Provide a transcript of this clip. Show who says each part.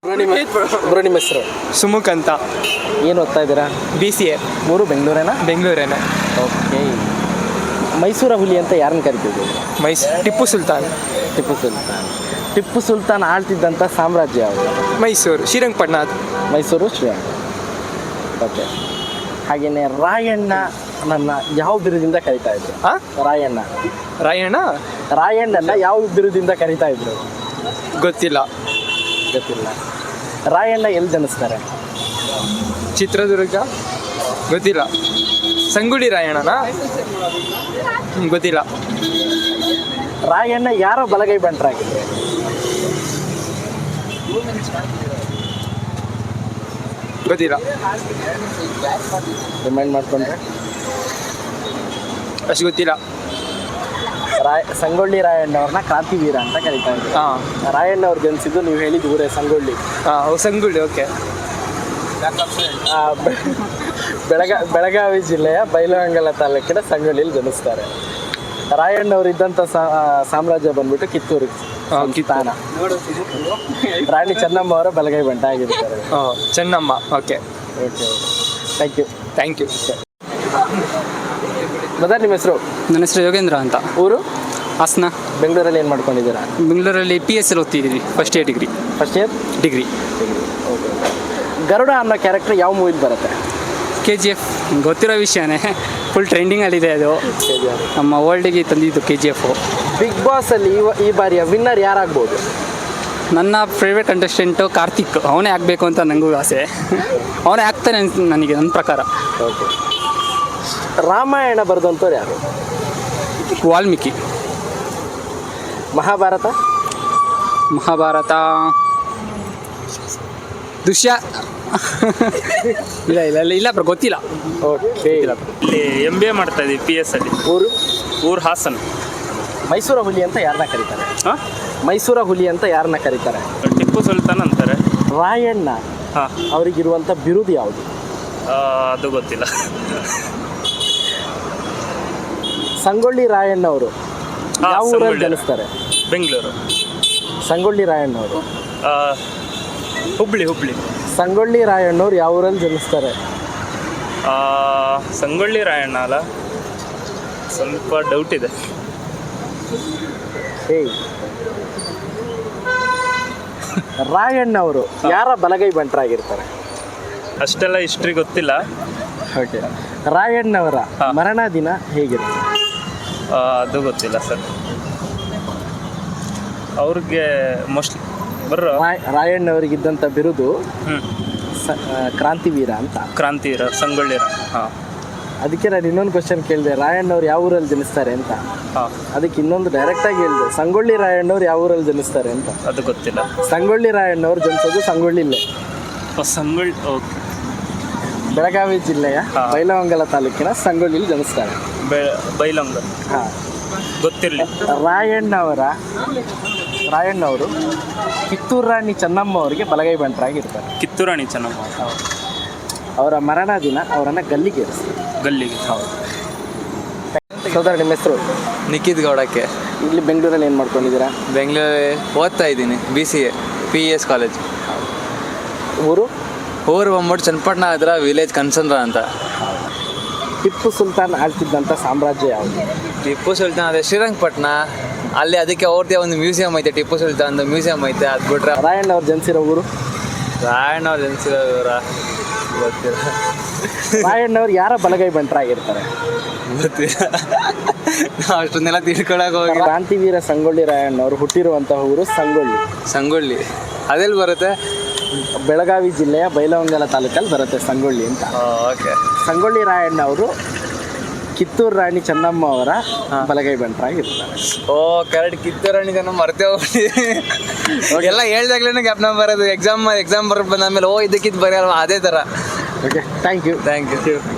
Speaker 1: Bro ನಿಮ್ಮ ಹೆಸರು?
Speaker 2: ಸುಮುಖ್ ಅಂತ.
Speaker 1: ಏನು ಓದ್ತಾ ಇದ್ದೀರಾ?
Speaker 2: BCA.
Speaker 1: ಮೂರು ಬೆಂಗಳೂರೇನಾ?
Speaker 2: ಬೆಂಗಳೂರೇನೆ.
Speaker 1: ಓಕೆ. ಮೈಸೂರ ಹುಲಿ ಅಂತ ಯಾರನ್ನ ಕರಿತಿದ್ದೀವಿ?
Speaker 2: ಟಿಪ್ಪು ಸುಲ್ತಾನ್.
Speaker 1: ಟಿಪ್ಪು ಸುಲ್ತಾನ್ ಆಳ್ತಿದ್ದಂಥ ಸಾಮ್ರಾಜ್ಯ ಯಾವುದು?
Speaker 2: ಮೈಸೂರು. ಶ್ರೀರಂಗಪಟ್ಟಣ.
Speaker 1: ಮೈಸೂರು ಶ್ರೀರಂಗ. ಓಕೆ. ಹಾಗೆಯೇ ರಾಯಣ್ಣ ನನ್ನ ಯಾವ ಬಿರುದಿಂದ ಕರಿತಾ ಇದ್ರು? ರಾಯಣ್ಣನ ಯಾವ ಬಿರುದಿಂದ ಕರಿತಾ ಇದ್ರು?
Speaker 2: ಗೊತ್ತಿಲ್ಲ.
Speaker 1: ರಾಯಣ್ಣ ಎಲ್ಲಿ ಜನಿಸ್ತಾರೆ?
Speaker 2: ಚಿತ್ರದುರ್ಗ. ಗೊತ್ತಿಲ್ಲ. ಸಂಗೊಳ್ಳಿ ರಾಯಣ್ಣನಾ? ಗೊತ್ತಿಲ್ಲ.
Speaker 1: ರಾಯಣ್ಣ ಯಾರ ಬಲಗೈ ಬಂಟರಾಗಿದ್ರು?
Speaker 2: ಗೊತ್ತಿಲ್ಲ.
Speaker 1: ರಿಮೈಂಡ್ ಮಾಡ್ಕೊಂಡ್ರೆ
Speaker 2: ಅಷ್ಟು ಗೊತ್ತಿಲ್ಲ.
Speaker 1: ಸಂಗೊಳ್ಳಿ ರಾಯಣ್ಣವ್ರನ್ನ ಕ್ರಾಂತಿವೀರ ಅಂತ ಕರಿತಾ ಇದ್ರು. ರಾಯಣ್ಣ ಅವ್ರು ಜನಿಸಿದ್ದು ನೀವು ಹೇಳಿದ ಊರೇ ಸಂಗೊಳ್ಳಿ.
Speaker 2: ಸಂಗೊಳ್ಳಿ. ಓಕೆ.
Speaker 1: ಬೆಳಗಾವಿ ಜಿಲ್ಲೆಯ ಬೈಲಹೊಂಗಲ ತಾಲೂಕಿನ ಸಂಗೊಳ್ಳಿಯಲ್ಲಿ ಜನಿಸ್ತಾರೆ. ರಾಯಣ್ಣವ್ರು ಇದ್ದಂಥ ಸಾಮ್ರಾಜ್ಯ ಬಂದ್ಬಿಟ್ಟು ಕಿತ್ತೂರು ಸ್ಥಾನ. ರಾಣಿ ಚೆನ್ನಮ್ಮ ಅವರ ಬಲಗೈ ಬಂಟ ಆಗಿರ್ತಾರೆ.
Speaker 2: ಚೆನ್ನಮ್ಮ. ಓಕೆ. Thank you.
Speaker 1: ಮೊದಲು ನಿಮ್ಮ ಹೆಸರು?
Speaker 2: ನನ್ನ ಹೆಸರು ಯೋಗೇಂದ್ರ ಅಂತ.
Speaker 1: ಊರು?
Speaker 2: ಹಾಸನ.
Speaker 1: ಬೆಂಗಳೂರಲ್ಲಿ ಏನು ಮಾಡ್ಕೊಂಡಿದ್ದೀರಾ?
Speaker 2: ಬೆಂಗಳೂರಲ್ಲಿ PSL ಓದ್ತಿದ್ದೀವಿ. First year degree.
Speaker 1: ಗರುಡ ಅನ್ನೋ ಕ್ಯಾರೆಕ್ಟರ್ ಯಾವ ಮೂವಿಲಿ ಬರುತ್ತೆ?
Speaker 2: KGF. ಗೊತ್ತಿರೋ ವಿಷಯನೇ. ಫುಲ್ ಟ್ರೆಂಡಿಂಗಲ್ಲಿದೆ ಅದು. ನಮ್ಮ ವರ್ಲ್ಡಿಗೆ ತಂದಿದ್ದು KGF.
Speaker 1: ಬಿಗ್ ಬಾಸಲ್ಲಿ ಈ ಬಾರಿಯ ವಿನ್ನರ್ ಯಾರಾಗ್ಬೋದು?
Speaker 2: ನನ್ನ ಫೇವ್ರೇಟ್ ಕಂಟೆಸ್ಟೆಂಟು ಕಾರ್ತಿಕ್. ಅವನೇ ಆಗಬೇಕು ಅಂತ ನನಗೂ ಆಸೆ. ಅವನೇ ಆಗ್ತಾನೆ ನನಗೆ, ನನ್ನ ಪ್ರಕಾರ.
Speaker 1: ಓಕೆ. ರಾಮಾಯಣ ಬರೆದಂಥವ್ರು ಯಾರು?
Speaker 2: ವಾಲ್ಮೀಕಿ.
Speaker 1: ಮಹಾಭಾರತ
Speaker 2: ಇಲ್ಲ ಬ್ರೋ, ಗೊತ್ತಿಲ್ಲ.
Speaker 1: ಓಕೆ.
Speaker 3: ಇಲ್ಲಿ MBA ಮಾಡ್ತಾ ಇದ್ದೀವಿ PS ಅಲ್ಲಿ. ಊರು ಹಾಸನ್.
Speaker 1: ಮೈಸೂರ ಹುಲಿ ಅಂತ ಯಾರನ್ನ ಕರೀತಾರೆ?
Speaker 3: ಟಿಪ್ಪು ಸುಲ್ತಾನ್ ಅಂತಾರೆ.
Speaker 1: ರಾಯಣ್ಣ ಅವರಿಗಿರುವಂಥ ಬಿರುದು ಯಾವುದು?
Speaker 3: ಅದು ಗೊತ್ತಿಲ್ಲ.
Speaker 1: ಸಂಗೊಳ್ಳಿ ರಾಯಣ್ಣ ಅವರು ಯಾವ ಊರಲ್ಲಿ ಜನಿಸ್ತಾರೆ?
Speaker 3: ಬೆಂಗಳೂರು.
Speaker 1: ಸಂಗೊಳ್ಳಿ ರಾಯಣ್ಣ ಅವರು
Speaker 3: ಹುಬ್ಳಿ.
Speaker 1: ಸಂಗೊಳ್ಳಿ ರಾಯಣ್ಣವ್ರು ಯಾವ ಊರಲ್ಲಿ ಜನಿಸ್ತಾರೆ?
Speaker 3: ಸಂಗೊಳ್ಳಿ ರಾಯಣ್ಣ ಅಲ್ಲ, ಸ್ವಲ್ಪ ಡೌಟ್ ಇದೆ.
Speaker 1: ರಾಯಣ್ಣ ಅವರು ಯಾರ ಬಲಗೈ ಬಂಟರಾಗಿರ್ತಾರೆ?
Speaker 3: ಅಷ್ಟೆಲ್ಲ ಹಿಸ್ಟ್ರಿ ಗೊತ್ತಿಲ್ಲ.
Speaker 1: ಓಕೆ. ರಾಯಣ್ಣವರ ಮರಣ ದಿನ ಹೇಗಿರುತ್ತೆ?
Speaker 3: ಅದು ಗೊತ್ತಿಲ್ಲ ಸರ್. ಅವ್ರಿಗೆ ಮೋಸ್ಟ್ಲಿ
Speaker 1: ರಾಯಣ್ಣವರಿಗಿದ್ದಂಥ ಬಿರುದು ಕ್ರಾಂತಿವೀರ ಅಂತ.
Speaker 3: ಕ್ರಾಂತಿವೀರ, ಸಂಗೊಳ್ಳಿ.
Speaker 1: ಅದಕ್ಕೆ ನಾನು ಇನ್ನೊಂದು ಕ್ವಶನ್ ಕೇಳಿದೆ, ರಾಯಣ್ಣವ್ರು ಯಾವ ಊರಲ್ಲಿ ಜನಿಸ್ತಾರೆ ಅಂತ. ಅದಕ್ಕೆ ಇನ್ನೊಂದು ಡೈರೆಕ್ಟಾಗಿ ಹೇಳಿದೆ, ಸಂಗೊಳ್ಳಿ ರಾಯಣ್ಣವ್ರು ಯಾವ ಊರಲ್ಲಿ ಜನಿಸ್ತಾರೆ ಅಂತ.
Speaker 3: ಅದು ಗೊತ್ತಿಲ್ಲ.
Speaker 1: ಸಂಗೊಳ್ಳಿ ರಾಯಣ್ಣವ್ರು ಜನಿಸೋದು ಸಂಗೊಳ್ಳಿಲ್ಲೇ.
Speaker 3: ಸಂಗೊಳ್ಳಿ. ಓಕೆ.
Speaker 1: ಬೆಳಗಾವಿ ಜಿಲ್ಲೆಯ ಬೈಲಹೊಂಗಲ ತಾಲೂಕಿನ ಸಂಗೊಳ್ಳಿಲಿ ಜನಿಸ್ತಾರೆ.
Speaker 3: ಬೈಲಹೊಂಗಲ. ಗೊತ್ತಿರಲಿ. ರಾಯಣ್ಣವರು ಕಿತ್ತೂರು ರಾಣಿ ಚೆನ್ನಮ್ಮ ಅವರಿಗೆ ಬಲಗೈ ಬಂಟರಾಗಿರ್ತಾರೆ. ಕಿತ್ತೂರು ರಾಣಿ ಚೆನ್ನಮ್ಮ.
Speaker 1: ಅವರ ಮರಣ ದಿನ ಅವರನ್ನು ಗಲ್ಲಿಗೆ.
Speaker 3: ಹೌದು.
Speaker 1: ಸೋದರ, ನಿಮ್ಮ ಹೆಸರು?
Speaker 4: ನಿಖಿತ್ ಗೌಡಕ್ಕೆ.
Speaker 1: ಇಲ್ಲಿ ಬೆಂಗಳೂರಲ್ಲಿ ಏನು ಮಾಡ್ಕೊಂಡಿದ್ದೀರಾ?
Speaker 4: ಬೆಂಗಳೂರಲ್ಲಿ ಓದ್ತಾ ಇದ್ದೀನಿ. BCA PES college. ಊರು ಬಂದ್ಬಿಟ್ಟು ಚನ್ನಪಟ್ಟಣ ಹತ್ರ ವಿಲೇಜ್ ಕನ್ಸಂದ್ರ ಅಂತ.
Speaker 1: ಟಿಪ್ಪು ಸುಲ್ತಾನ್ ಆಳ್ತಿದ್ದಂಥ ಸಾಮ್ರಾಜ್ಯ ಯಾವುದು?
Speaker 4: ಟಿಪ್ಪು ಸುಲ್ತಾನ್ ಅದೇ ಶ್ರೀರಂಗಪಟ್ಟಣ. ಅಲ್ಲಿ ಅದಕ್ಕೆ ಅವ್ರದ್ದೇ ಒಂದು ಮ್ಯೂಸಿಯಂ ಐತೆ, ಟಿಪ್ಪು ಸುಲ್ತಾನ್ ಮ್ಯೂಸಿಯಂ ಐತೆ. ಅದು ಬಿಟ್ರೆ
Speaker 1: ರಾಯಣ್ಣ ಅವ್ರು ಜನಿಸಿರೋ ಊರು?
Speaker 4: ಗೊತ್ತಿಲ್ಲ.
Speaker 1: ರಾಯಣ್ಣವ್ರು ಯಾರ ಬಲಗೈ ಬಂಟರಾಗಿರ್ತಾರೆ?
Speaker 4: ಗೊತ್ತಿಲ್ಲ. ನಾವು ಅಷ್ಟೊಂದೆಲ್ಲ ತಿಳ್ಕೊಳಕ್ಕೆ ಹೋಗಿ.
Speaker 1: ಕ್ರಾಂತಿವೀರ ಸಂಗೊಳ್ಳಿ ರಾಯಣ್ಣವ್ರು ಹುಟ್ಟಿರುವಂತಹ ಊರು
Speaker 4: ಸಂಗೊಳ್ಳಿ. ಅದೆಲ್ಲಿ ಬರುತ್ತೆ?
Speaker 1: ಬೆಳಗಾವಿ ಜಿಲ್ಲೆಯ ಬೈಲಹೊಂಗಲ ತಾಲೂಕಲ್ಲಿ ಬರುತ್ತೆ ಸಂಗೊಳ್ಳಿ ಅಂತ.
Speaker 4: ಓಕೆ.
Speaker 1: ಸಂಗೊಳ್ಳಿ ರಾಯಣ್ಣ ಅವರು ಕಿತ್ತೂರು ರಾಣಿ ಚೆನ್ನಮ್ಮ ಅವರ ಬಲಗೈ ಬಂಟರಾಗಿರ್ತಾರೆ.
Speaker 4: ಕರೆಕ್ಟ್. ಕಿತ್ತೂರು ರಾಣಿ ಚೆನ್ನಮ್ಮ ಮರ್ತೇ ಹೋಗ್ಬಿಟ್ಟಿದೆ. ಎಲ್ಲ ಹೇಳ್ದಾಗ್ಲೇ ಜ್ಞಾಪನ ಬರೋದು. ಎಕ್ಸಾಮ್ ಬರೋದು ಬಂದಾದ್ಮೇಲೆ ಇದಕ್ಕಿದ್ದು ಬರೆಯಲ್ವ, ಅದೇ ಥರ.
Speaker 1: ಓಕೆ. Thank you.